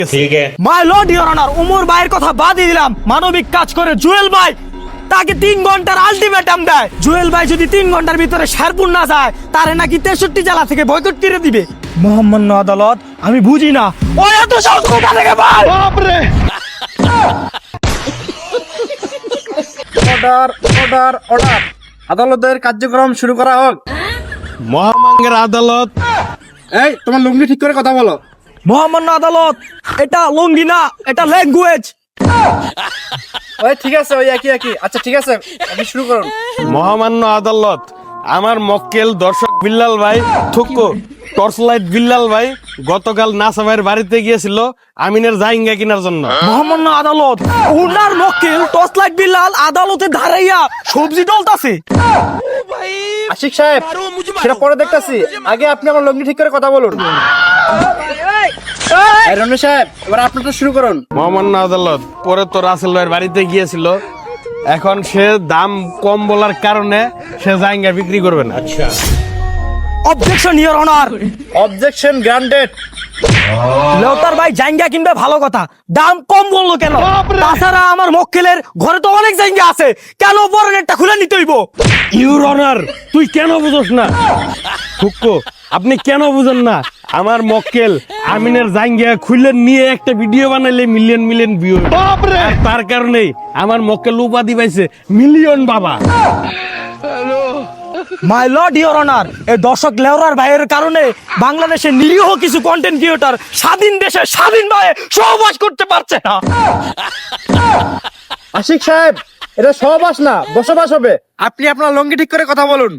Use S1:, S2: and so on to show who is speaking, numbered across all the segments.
S1: ठीक है
S2: my lord your honour, Umar ভাইয়ের কথা বাদই দিলাম, মানবিক কাজ করে জুয়েল ভাই তাকে 3 ঘন্টার আলটিমেটাম দেয়। জুয়েল ভাই যদি 3 ঘন্টার ভিতরে শেরপুর না যায়, তারে নাকি 63 জেলা থেকে বয়কট করে দিবে। মহামান্য আদালত, আমি বুঝি না ও এত সাহস কোথা থেকে পায়। বাপ রে!
S3: অর্ডার অর্ডার অর্ডার, আদালতের কার্যক্রম শুরু করা হোক।
S1: মহামাঙ্গের আদালত।
S3: এই তোমার লুঙ্গি ঠিক করে কথা বলো।
S2: মহামান্য আদালত, এটা লঙ্গি না, এটা ল্যাঙ্গুয়েজ।
S3: ওই ঠিক আছে, ওই একই একই। আচ্ছা ঠিক আছে, আপনি শুরু করুন।
S1: মহামান্য আদালত, আমার মক্কেল দর্শক বিল্লাল ভাই থুকো টর্চলাইট বিল্লাল ভাই গতকাল নাসা ভাইয়ের বাড়িতে গিয়েছিল আমিনের জাইঙ্গা কেনার জন্য।
S2: মহামান্য আদালত, উনার মক্কেল টর্চলাইট বিল্লাল আদালতে দাঁড়াইয়া সবজি ডলতাছে।
S3: আশিক সাহেব, সেটা পরে দেখতাছি, আগে আপনি আমার লুঙ্গি ঠিক করে কথা বলুন। এই রনি সাহেব, এবার আপনারটা শুরু করুন।
S1: মহামান্য আদালত, পরে তো রাসেল ভাইয়ের বাড়িতে গিয়েছিল, এখন সে দাম কম বলার কারণে সে জাইঙ্গা বিক্রি করবে না। আচ্ছা,
S2: objection your honour.
S3: Objection granted.
S2: লেউটার ভাই জাইঙ্গা কিনবে ভালো কথা, দাম কম বললো কেন? তাছাড়া আমার মক্কেলের ঘরে তো অনেক জাইঙ্গা আছে, কেন বরনেরটা খুলে নিতে হইব?
S1: ইউর অনার, তুই কেন বুঝোস না? থুকো, আপনি কেন বুঝেন না? আমার মক্কেল আমিনের জাইঙ্গা খুলে নিয়ে একটা ভিডিও বানাইলে মিলিয়ন মিলিয়ন ভিউ। তার কারণেই আমার মক্কেল উপাধি পাইছে মিলিয়ন বাবা।
S2: মাই লর্ড ইওর অনার, এই দর্শক লেউরার ভাইয়ের কারণে বাংলাদেশের নিরীহ কিছু কন্টেন্ট ক্রিয়েটর স্বাধীন দেশে স্বাধীনভাবে সহবাস করতে পারছে না।
S3: আশিক সাহেব, এটা সহবাস না, বসবাস হবে। আপনি আপনার লুঙ্গি ঠিক করে কথা বলুন।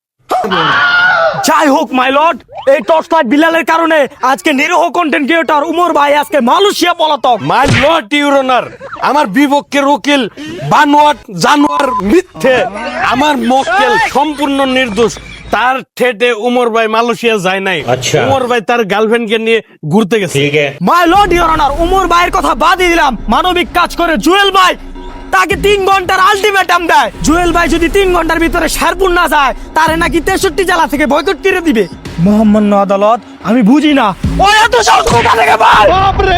S2: যাই হোক মাই লর্ড, এই টর্চলাইট বিলালের কারণে আজকে নিরীহ কন্টেন্ট ক্রিয়েটর উমর ভাই আজকে মালয়েশিয়া পলাতক।
S1: মাই লর্ড ইউর অনার, আমার বিপক্ষের উকিল বানোয়াট জানোয়ার মিথ্যে, আমার মক্কেল সম্পূর্ণ নির্দোষ। তার ঠেটে উমর ভাই মালয়েশিয়া যায় নাই।
S4: আচ্ছা।
S1: উমর ভাই তার গার্লফ্রেন্ডকে নিয়ে ঘুরতে গেছে।
S4: ठीक है
S2: my lord your honour, Umar ভাইয়ের কথা বাদই দিলাম, মানবিক কাজ করে জুয়েল ভাই তাকে 3 ঘন্টার আলটিমেটাম দেয়। জুয়েল ভাই যদি 3 ঘন্টার ভিতরে শেরপুর না যায়, তারে নাকি 63 জেলা থেকে বয়কট করে দিবে। মহামান্য আদালত, আমি বুঝি না ও এত সাহস কোথা থেকে পায়। বাপ রে!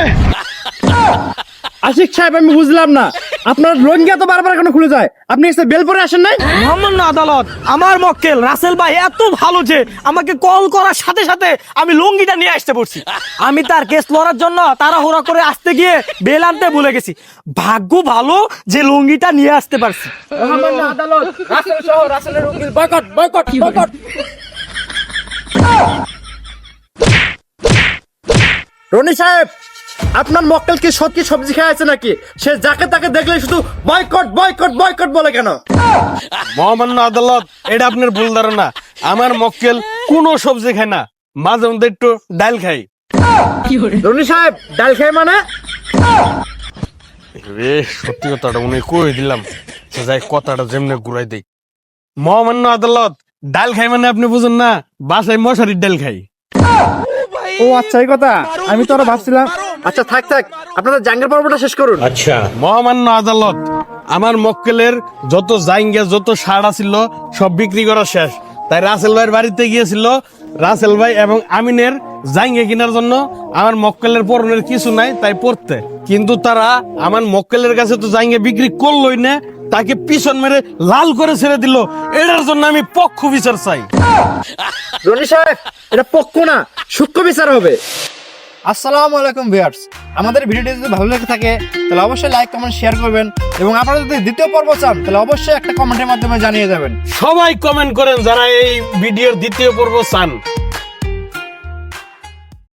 S3: আশিক সাহেব, আমি বুঝলাম না, আপনার লুঙ্গি এত বারবার কেন খুলে যায়? আপনি এসে বেল পরে আসেন নাই?
S2: মহামান্য আদালত, আমার মক্কেল রাসেল ভাই এত ভালো যে আমাকে কল করার সাথে সাথে আমি লুঙ্গিটা নিয়ে আসতে পড়ছি। আমি তার কেস লড়ার জন্য তাড়াহুড়া করে আসতে গিয়ে বেল আনতে ভুলে গেছি। ভাগ্য ভালো যে লুঙ্গিটা নিয়ে আসতে পারছি।
S3: মহামান্য আদালত, রাসেল সহ রাসেলের উকিল বয়কট বয়কট বয়কট। রনি সাহেব, আপনার মক্কেল কি সত্যি সবজি খেয়ে আছে নাকি? সে যাকে তাকে দেখলে শুধু বয়কট বয়কট বয়কট বলে কেন?
S1: মহামান্য আদালত, এটা আপনার ভুল ধারণা। আমার মক্কেল কোনো সবজি খায় না, মাঝে মধ্যে একটু ডাল খাই।
S3: রনি সাহেব, ডাল খেয়ে মানে?
S1: রে, সত্যি কথাটা উনি কই দিলাম, যাই কথাটা যেমনে ঘুরাই দেই। মহামান্য আদালত, ডাল খাই মানে আপনি বুঝুন না, বাসায় মশারির ডাল খাই।
S3: ও আচ্ছা, এই কথা আমি তো আরো ভাবছিলাম। আচ্ছা থাক থাক, আপনাদের জাঙ্গের পর্বটা শেষ করুন।
S4: अच्छा
S1: মহামান্য আদালত, আমার মক্কেলের যত জাইঙ্গা যত সাড়া ছিল সব বিক্রি করা শেষ, তাই রাসেল ভাইয়ের বাড়িতে গিয়েছিল রাসেল ভাই এবং আমিনের জাইঙ্গা কেনার জন্য। আমার মক্কেলের পরনের কিছু নাই, তাই পড়তে, কিন্তু তারা আমার মক্কেলের কাছে তো জাইঙ্গা বিক্রি করলোই না, তাকে পিছন মেরে লাল করে ছেড়ে দিল। এটার জন্য আমি পক্ষ বিচার চাই।
S3: রনি সাহেব, এটা পক্ষ না, সূক্ষ্ম বিচার হবে। আসসালামু আলাইকুম ভিউয়ার্স, আমাদের ভিডিওটি যদি ভালো লেগে থাকে তাহলে অবশ্যই লাইক কমেন্ট শেয়ার করবেন, এবং আপনারা যদি দ্বিতীয় পর্ব চান তাহলে অবশ্যই একটা কমেন্টের মাধ্যমে জানিয়ে যাবেন।
S1: সবাই কমেন্ট করেন যারা এই ভিডিওর দ্বিতীয় পর্ব চান।